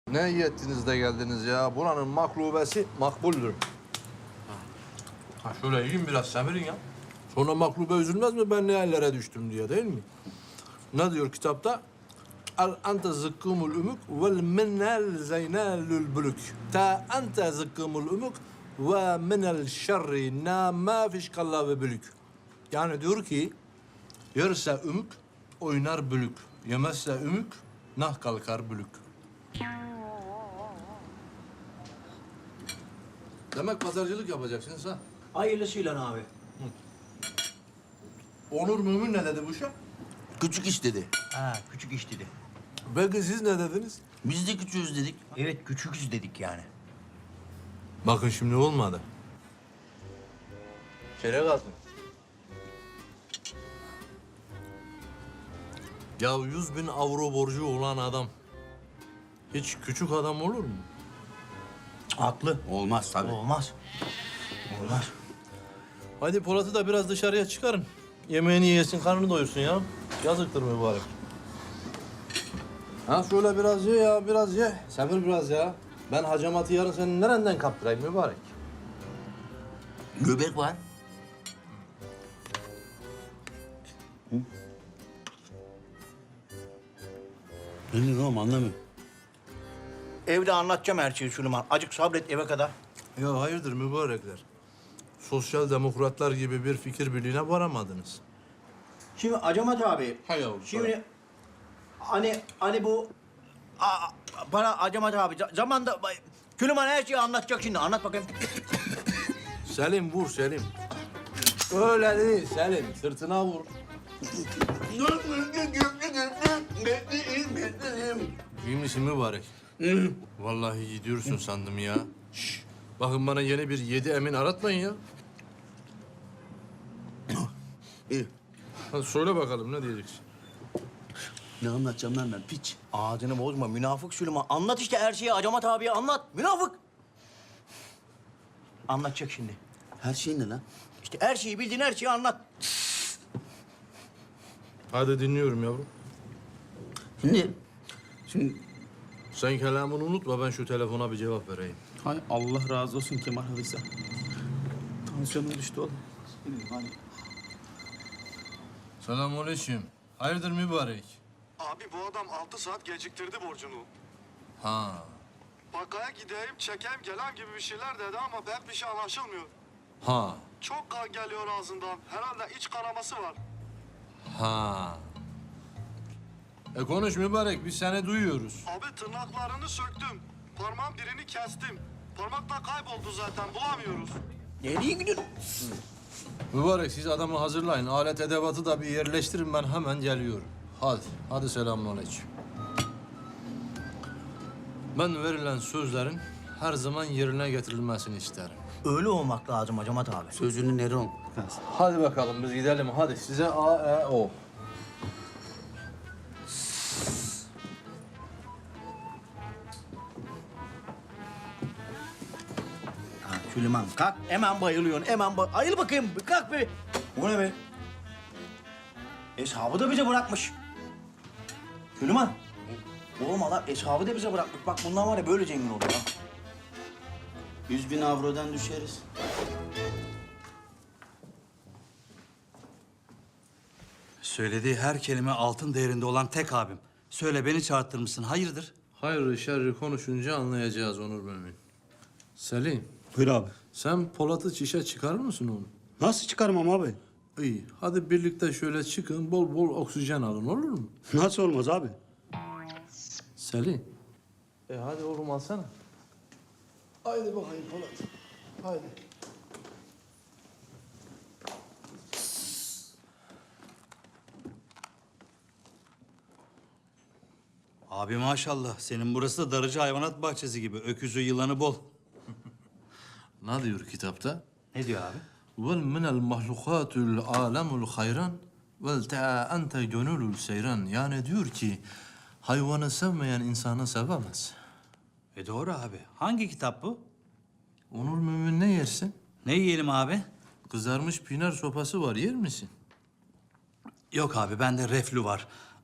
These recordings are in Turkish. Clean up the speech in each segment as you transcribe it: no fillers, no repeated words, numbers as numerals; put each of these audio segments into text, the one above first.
Ne iyi ettiniz de geldiniz ya. Buranın maklubesi makbuldür. Ha şöyle yiyin biraz semirin ya. Sonra maklube üzülmez mi ben ne hallere düştüm diye değil mi? Ne diyor kitapta? El ente zıkkımul umuk vel minel zeynelül bülük. Ta ente zıkkımul umuk ve minel şerri na ma fişkalla ve bülük. Yani diyor ki yerse ümük oynar bülük. Yemezse ümük nah kalkar bülük. Demek pazarcılık yapacaksınız ha? Hayırlısıyla abi. Onur Mümin ne dedi bu şey? Küçük iş dedi. Ha, küçük iş dedi. Belki siz ne dediniz? Biz de küçüğüz dedik. Evet, küçüküz dedik yani. Bakın şimdi olmadı. Çeyrek altın. Ya 100.000 avro borcu olan adam hiç küçük adam olur mu? Haklı. Olmaz tabii. Olmaz. Olmaz. Hadi Polat'ı da biraz dışarıya çıkarın. Yemeğini yesin, karnını doyursun ya. Yazıktır mübarek. Ha şöyle biraz ye ya, biraz ye. Sabır biraz ya. Ben hacamatı yarın senin nereden kaptırayım mübarek? Göbek var. Ne diyorsun oğlum anlamıyorum. Evde anlatacağım her şeyi Süleyman. Acık sabret eve kadar. Ya hayırdır mübarekler? Sosyal demokratlar gibi bir fikir birliğine varamadınız. Şimdi Acamat abi. Hay Allah. Şimdi hani bu bana Acamat abi zamanda Süleyman her şeyi anlatacak şimdi. Anlat bakayım. Selim vur Selim. Öyle değil Selim. Sırtına vur. İyi misin mübarek? Vallahi gidiyorsun sandım ya. Şş, bakın bana yeni bir 7 emin aratmayın ya. İyi. Hadi söyle bakalım ne diyeceksin? Ne anlatacağım lan ben piç. Ağzını bozma münafık Süleyman. Anlat işte her şeyi Acamat abiye anlat. Münafık. Anlatacak şimdi. Her şey ne lan? İşte her şeyi bildiğin her şeyi anlat. Hadi dinliyorum yavrum. Şimdi Sen kelamını unutma ben şu telefona bir cevap vereyim. hay Allah razı olsun Kemal Havisa. Tansiyonum düştü oğlum. Hadi. Selamünaleyküm. Hayırdır mübarek? Abi bu adam 6 saat geciktirdi borcunu. Ha. Bankaya gideyim, çekeyim, gelem gibi bir şeyler dedi ama pek bir şey anlaşılmıyor. Ha. Çok kan geliyor ağzından. Herhalde iç kanaması var. Ha. Konuş mübarek biz seni duyuyoruz. Abi tırnaklarını söktüm. Parmağın birini kestim. Parmak da kayboldu zaten, bulamıyoruz. Nereye gidiyorsun? Mübarek siz adamı hazırlayın. Alet edevatı da bir yerleştirin ben hemen geliyorum. Hadi. Hadi selamünaleyküm. Ben verilen sözlerin her zaman yerine getirilmesini isterim. Öyle olmak lazım Acamat abi. Sözünü Neron. Hadi bakalım biz gidelim. Hadi size A, E, O. Ha, Süleyman kalk. Hemen bayılıyorsun. Ayıl bakayım. Bir kalk bir. Bu ne be? Hesabı da bize bırakmış. Süleyman. Oğlum adam hesabı da bize bırakmış. Bak bundan var ya böyle zengin olur ha. 100.000 avrodan düşeriz. Söylediği her kelime altın değerinde olan tek abim. Söyle beni çağırttırmışsın. Hayırdır? Hayırlı şerri konuşunca anlayacağız Onur Mümin. Selim, Buyur abi. sen Polat'ı çişe çıkarır mısın oğlum? Nasıl çıkarmam abi? İyi. Hadi birlikte şöyle çıkın, bol bol oksijen alın olur mu? Nasıl olmaz abi? Selim. Hadi oğlum alsana. Haydi bakayım Polat. Haydi. Abi maşallah. Senin burası da Darıcı Hayvanat Bahçesi gibi. Öküzü, yılanı bol. Ne diyor kitapta? Ne diyor abi? Vel minel mahlukatul alemul hayran vel te'a ente gönülül seyran. Yani diyor ki hayvanı sevmeyen insanı sevemez. Doğru abi. Hangi kitap bu? Onur Mümin ne yersin? Ne yiyelim abi? Kızarmış pinar sopası var yer misin? Yok abi bende reflü var.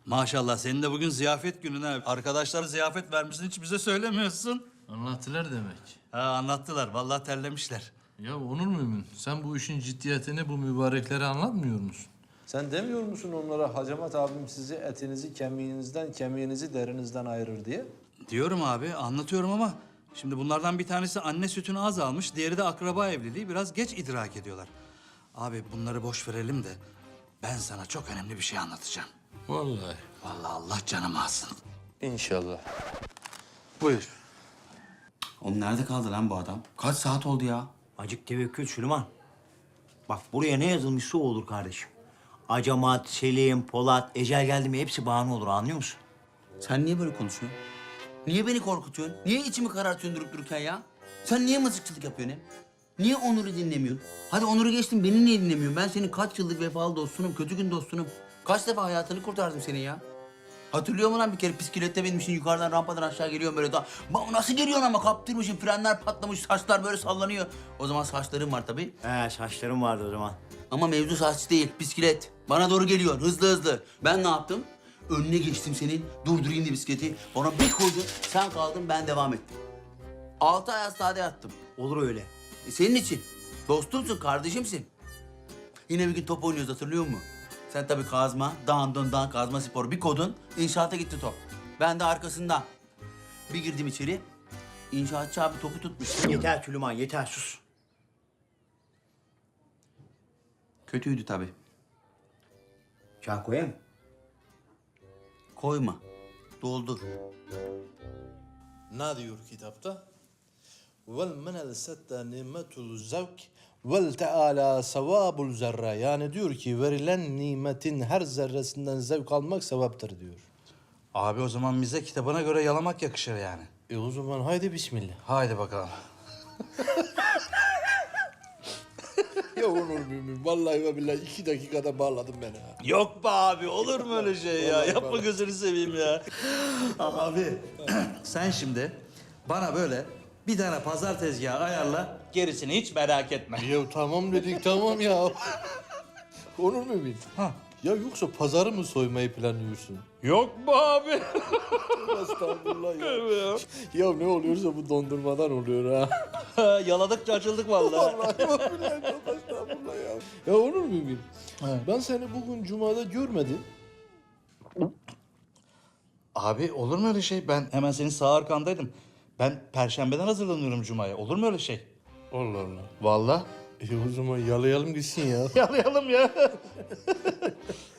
Maşallah senin de bugün ziyafet günün ha. Arkadaşlara ziyafet vermişsin hiç bize söylemiyorsun. Anlattılar demek. Ha anlattılar vallahi terlemişler. Ya Onur Mümin, sen bu işin ciddiyetini bu mübareklere anlatmıyor musun? Sen demiyor musun onlara Hacamat abim sizi etinizi kemiğinizden, kemiğinizi derinizden ayırır diye? Diyorum abi anlatıyorum ama şimdi bunlardan bir tanesi anne sütünü az almış, diğeri de akraba evliliği biraz geç idrak ediyorlar. Abi bunları boş verelim de ben sana çok önemli bir şey anlatacağım. Vallahi. Vallahi Allah canımı alsın. İnşallah. Buyur. Oğlum nerede kaldı lan bu adam? Kaç saat oldu ya? Acık tevekkül Süleyman. Bak buraya ne yazılmışsa o olur kardeşim. Acamat, Selim, Polat, ecel geldi mi hepsi bahane olur anlıyor musun? Sen niye böyle konuşuyorsun? Niye beni korkutuyorsun? Niye içimi karartıyorsun durup dururken ya? Sen niye mızıkçılık yapıyorsun hem? Niye Onur'u dinlemiyorsun? Hadi Onur'u geçtim, beni niye dinlemiyorsun? Ben senin kaç yıllık vefalı dostunum, kötü gün dostunum. Kaç defa hayatını kurtardım senin ya? Hatırlıyor musun lan bir kere bisiklette binmişsin yukarıdan rampadan aşağı geliyorsun böyle da. Nasıl geliyorsun ama kaptırmışsın, frenler patlamış, saçlar böyle sallanıyor. O zaman saçların var tabii. He saçlarım vardı o zaman. Ama mevzu saç değil, bisiklet. Bana doğru geliyor, hızlı hızlı. Ben ne yaptım? Önüne geçtim senin, durdurayım diye bisikleti. Bana bir koydun, sen kaldın, ben devam ettim. 6 ay hastanede yattım. Olur öyle. Senin için. Dostumsun, kardeşimsin. Yine bir gün top oynuyoruz, hatırlıyor musun? Sen tabii kazma, dağın kazma sporu. Bir kodun, inşaata gitti top. Ben de arkasından. Bir girdim içeri, inşaatçı abi topu tutmuş. Yeter Süleyman yeter sus. Kötüydü tabii. Çay koyayım. Koyma, doldur. Ne diyor kitapta? Vel menel sette nimetul zevk vel teala sevabul zerre. Yani diyor ki verilen nimetin her zerresinden zevk almak sevaptır diyor. Abi o zaman bize kitabına göre yalamak yakışır yani. O zaman haydi bismillah. Haydi bakalım. Ya Onur Mümin vallahi ve billahi 2 dakikada bağladın beni ha. Yok be abi olur mu öyle şey ya? Vallahi Yapma vallahi. gözünü seveyim ya. Abi sen şimdi bana böyle bir tane pazar tezgahı ayarla. Gerisini hiç merak etme. Ya tamam dedik tamam ya. Onur Mümin. Ha. Ya yoksa pazarı mı soymayı planlıyorsun? Yok mu abi? Estağfurullah ya. Ya ne oluyorsa bu dondurmadan oluyor ha. Yaladıkça açıldık vallahi. Vallahi billahi çok estağfurullah ya. Ya Onur Mümin. Ben seni bugün Cuma'da görmedim. Abi olur mu öyle şey? Ben hemen senin sağ arkandaydım. Ben Perşembeden hazırlanıyorum Cuma'ya. Olur mu öyle şey? Allah Allah. Vallahi. O zaman yalayalım gitsin ya. Yalayalım ya.